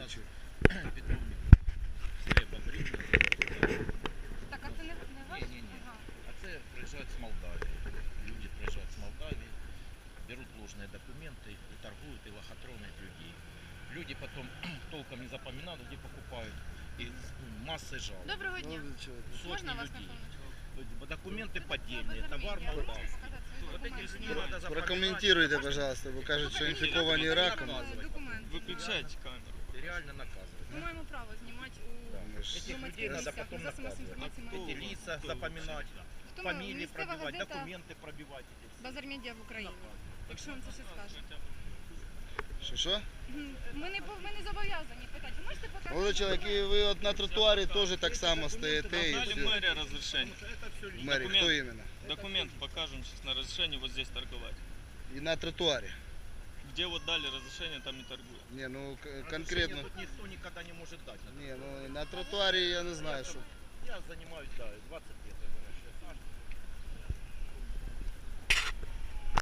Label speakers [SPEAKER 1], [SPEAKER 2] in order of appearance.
[SPEAKER 1] кричу.
[SPEAKER 2] Петровник. Треба брівна.
[SPEAKER 3] Так, а це не ваш?
[SPEAKER 2] Ні.
[SPEAKER 3] Ага.
[SPEAKER 2] А це приїжджають з Молдавії. Люди приїжджають з Молдавії, берут ложные документы и торгуют, и лохотронят людей. Люди потом толком не запоминают, где покупают. И массой жалоб.
[SPEAKER 3] Доброго дня.
[SPEAKER 1] Молодий чоловік.
[SPEAKER 2] Сотни
[SPEAKER 3] Можна вас на
[SPEAKER 2] людей.
[SPEAKER 3] хвилиночку?
[SPEAKER 2] Документы поддельные, товар
[SPEAKER 3] Можете
[SPEAKER 2] молдавский.
[SPEAKER 3] показати свої
[SPEAKER 2] Вот эти
[SPEAKER 3] документи?
[SPEAKER 2] СМИ надо запоминать.
[SPEAKER 1] Прокоментуйте, пожалуйста, бо кажуть, що інфіковані раком.
[SPEAKER 3] Документи.
[SPEAKER 4] Выключайте камеру.
[SPEAKER 2] И реально наказывать.
[SPEAKER 3] Ми маємо право знімати
[SPEAKER 2] Да.
[SPEAKER 3] у
[SPEAKER 1] Ми ж-
[SPEAKER 2] Этих людей
[SPEAKER 3] громадських
[SPEAKER 2] надо
[SPEAKER 3] місцях,
[SPEAKER 2] потом
[SPEAKER 3] у засобах
[SPEAKER 2] наказывать.
[SPEAKER 3] інформації
[SPEAKER 4] А
[SPEAKER 3] маємо.
[SPEAKER 2] Эти лица запоминать,
[SPEAKER 3] Хто ми?
[SPEAKER 2] фамилии
[SPEAKER 3] Місцева
[SPEAKER 2] пробивать,
[SPEAKER 3] газета
[SPEAKER 2] документы пробивать. Эти все.
[SPEAKER 3] Базар Медіа в Україні. Якщо вам це ще скаже.
[SPEAKER 1] Що?
[SPEAKER 3] Ми не зобов'язані питати. Ви можете показати?
[SPEAKER 1] Молодий чоловік, і ви от на тротуарі теж так само стоїте і
[SPEAKER 4] Дали
[SPEAKER 1] все.
[SPEAKER 4] мэрия разрешение.
[SPEAKER 1] В мері, хто іменно?
[SPEAKER 4] Документ покажем сейчас на разрешение вот здесь торговать.
[SPEAKER 1] І на тротуарі.
[SPEAKER 4] Где вот дали разрешение, там и торгуем.
[SPEAKER 1] Ні, ну
[SPEAKER 2] Разрешение
[SPEAKER 1] конкретно.
[SPEAKER 2] тут никто никогда не может дать.
[SPEAKER 1] Ні, ну на тротуарі я не знаю, що.
[SPEAKER 2] Я занимаюсь, да, 20 лет. Я выращиваю сажу.